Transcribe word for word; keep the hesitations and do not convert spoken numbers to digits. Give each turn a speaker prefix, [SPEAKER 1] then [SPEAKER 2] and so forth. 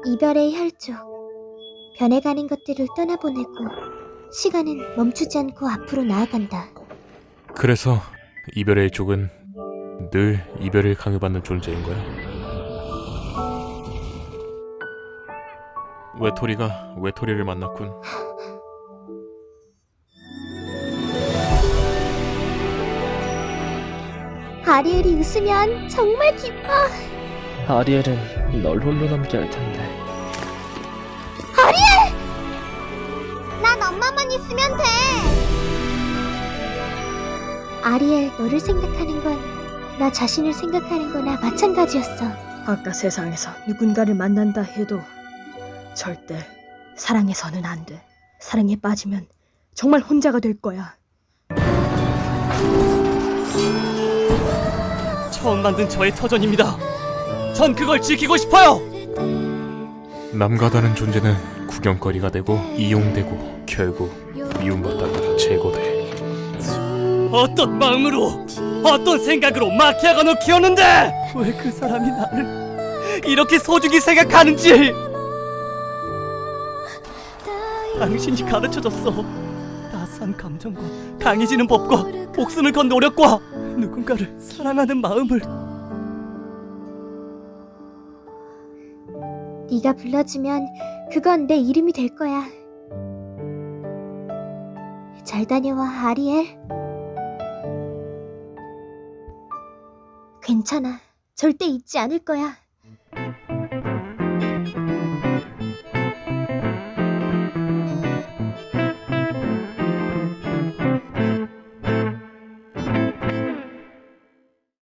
[SPEAKER 1] 이별의 혈족, 변해가는 것들을 떠나보내고 시간은 멈추지 않고 앞으로 나아간다.
[SPEAKER 2] 그래서 이별의 쪽은 늘 이별을 강요받는 존재인 거야. 외톨이가 외톨이를 만났군.
[SPEAKER 1] 아리엘이 웃으면 정말 기뻐.
[SPEAKER 3] 아리엘은 널 홀로 남게 할 텐데.
[SPEAKER 1] 난 엄마만 있으면 돼. 아리엘, 너를 생각하는 건 나 자신을 생각하는 거나 마찬가지였어.
[SPEAKER 4] 아까 세상에서 누군가를 만난다 해도 절대 사랑해서는 안 돼. 사랑에 빠지면 정말 혼자가 될 거야.
[SPEAKER 3] 처음 만든 저의 터전입니다. 전 그걸 지키고 싶어요.
[SPEAKER 2] 남과다른 존재는 구경거리가 되고 이용되고 결국 미움받다가 제거돼.
[SPEAKER 3] 어떤 마음으로, 어떤 생각으로 마키아가노 키웠는데 왜 그 사람이 나를 이렇게 소중히 생각하는지 당신이 가르쳐줬어. 따스한 감정과 강해지는 법과 목숨을 건 노력과 누군가를 사랑하는 마음을.
[SPEAKER 1] 네가 불러주면 그건 내 이름이 될 거야. 잘 다녀와, 아리엘. 괜찮아. 절대 잊지 않을 거야.